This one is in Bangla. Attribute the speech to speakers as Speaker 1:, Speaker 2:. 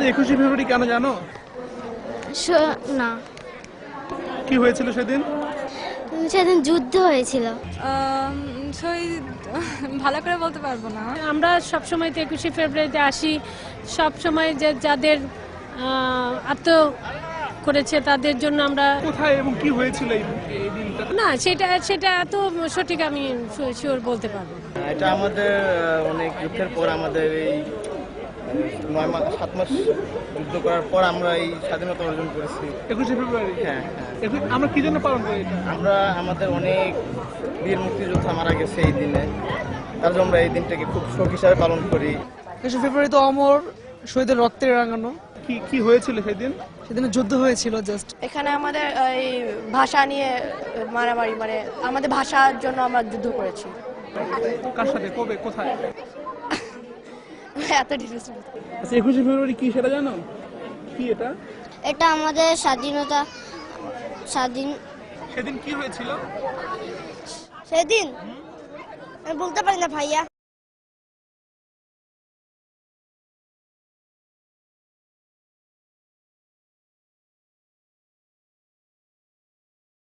Speaker 1: 21শে ফেব্রুয়ারি কেন জানো?
Speaker 2: না,
Speaker 1: কি হয়েছিল সেদিন?
Speaker 2: সেদিন যুদ্ধ হয়েছিল।
Speaker 3: শহীদ ভালো করে বলতে পারবো না।
Speaker 4: আমরা সবসময় 21শে ফেব্রুয়ারিতে আসি, সবসময় যে যাদের আত্ম করেছে তাদের জন্য আমরা।
Speaker 1: কোথায় এবং কি হয়েছিল এই দিনটা?
Speaker 4: না, সেটা এত সঠিক আমি শিওর বলতে পারবো না।
Speaker 5: এটা আমাদের অনেক যুদ্ধের পর, আমাদের এই 7 মাস যুদ্ধ করার পর আমরা এই স্বাধীনতা অর্জন করেছি।
Speaker 1: 21শে ফেব্রুয়ারি?
Speaker 5: হ্যাঁ,
Speaker 1: আমরা কি জন্য পালন করি এটা?
Speaker 5: আমরা আমাদের অনেক বীর মুক্তিযোদ্ধা মারা গেছে এই দিনে, তার জন্য আমরা এই দিনটাকে খুব শোক হিসাবে পালন করি।
Speaker 6: 21শে ফেব্রুয়ারি তো অমর শহীদের রক্তে রাঙানো।
Speaker 1: কি হয়েছিল সেদিন?
Speaker 6: সেদিন যুদ্ধ হয়েছিল। জাস্ট
Speaker 7: এখানে আমাদের এই ভাষা নিয়ে মারামারি, মানে আমাদের ভাষার জন্য আমরা যুদ্ধ করেছি।
Speaker 1: কার সাথে, কবে, কোথায়?
Speaker 7: এত ডিটেলস।
Speaker 1: আচ্ছা, 21শে ফেব্রুয়ারি কি সেটা জানো? কি এটা?
Speaker 2: এটা আমাদের
Speaker 1: সেদিন কি হয়েছিল?
Speaker 2: সেদিন আমি বলতে পারি না ভাইয়া।